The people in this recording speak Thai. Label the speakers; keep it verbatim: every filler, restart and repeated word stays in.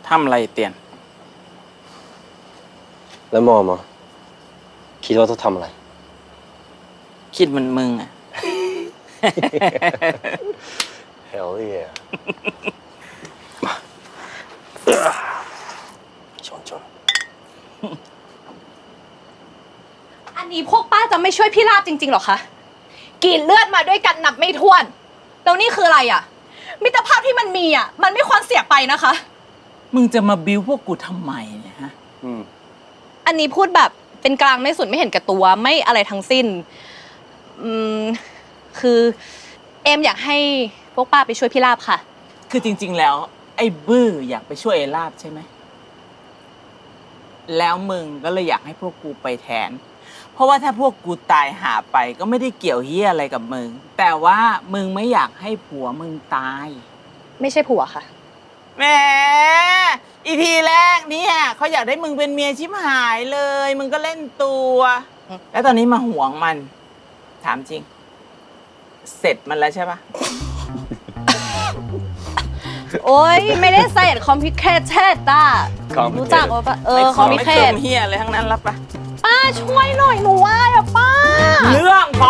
Speaker 1: ทำอะไรเตียน
Speaker 2: แล้วมอมอ่ะคิดว่าต้องทำอะไร
Speaker 1: คิดเหมันมึงอ่ะ
Speaker 2: Hell yeah ชนชน
Speaker 3: อันนี้พวกป้าจะไม่ช่วยพี่ลาบจริงๆหรอคะกินเลือดมาด้วยกันนับไม่ถ้วน แล้วนี่คืออะไรอ่ะมิตรภาพที่มันมีอ่ะมันไม่ควรเสียไปนะคะ
Speaker 1: มึงจะมาบิ้วพวกกูทำไมเนี่ยฮะ
Speaker 2: อืม
Speaker 3: อันนี้พูดแบบเป็นกลางไม่สุดไม่เห็นแก่ตัวไม่อะไรทั้งสิ้น อืม คือเอมอยากให้พวกป้าไปช่วยพี่ลาบค่ะ
Speaker 1: คือจริงๆแล้ว ไอ้บื้ออยากไปช่วยไอ้ลาบใช่ไหม แล้วมึงก็เลยอยากให้พวกกูไปแทน เพราะว่าถ้าพวกกูตายหาไปก็ไม่ได้เกี่ยวเหี้ยอะไรกับมึง แต่ว่ามึงไม่อยากให้ผัวมึงตาย
Speaker 3: ไม่ใช่ผัวค่ะ
Speaker 1: แหมอีพีแรกเนี่ยเขาอยากได้มึงเป็นเมียชิบหายเลย มึงก็เล่นตัว
Speaker 3: อืม
Speaker 1: แล้วตอนนี้มาหวงมัน ถามจริง เสร็จมันแล้วใช่ปะ
Speaker 3: โอ๊ยไม่ได้ใส่คอมพิเคทเช่ต้า
Speaker 2: Complicated
Speaker 3: รู้จักว่าปะเออ
Speaker 1: ไม่
Speaker 3: คอมพิ
Speaker 1: ไม่
Speaker 3: เค
Speaker 1: เติ
Speaker 3: ท
Speaker 1: มเฮียอะไรทั้งนั้นรับปะ
Speaker 3: ป้าช่วยหน่อยหนูว่าอะป้า
Speaker 1: เรื่องของ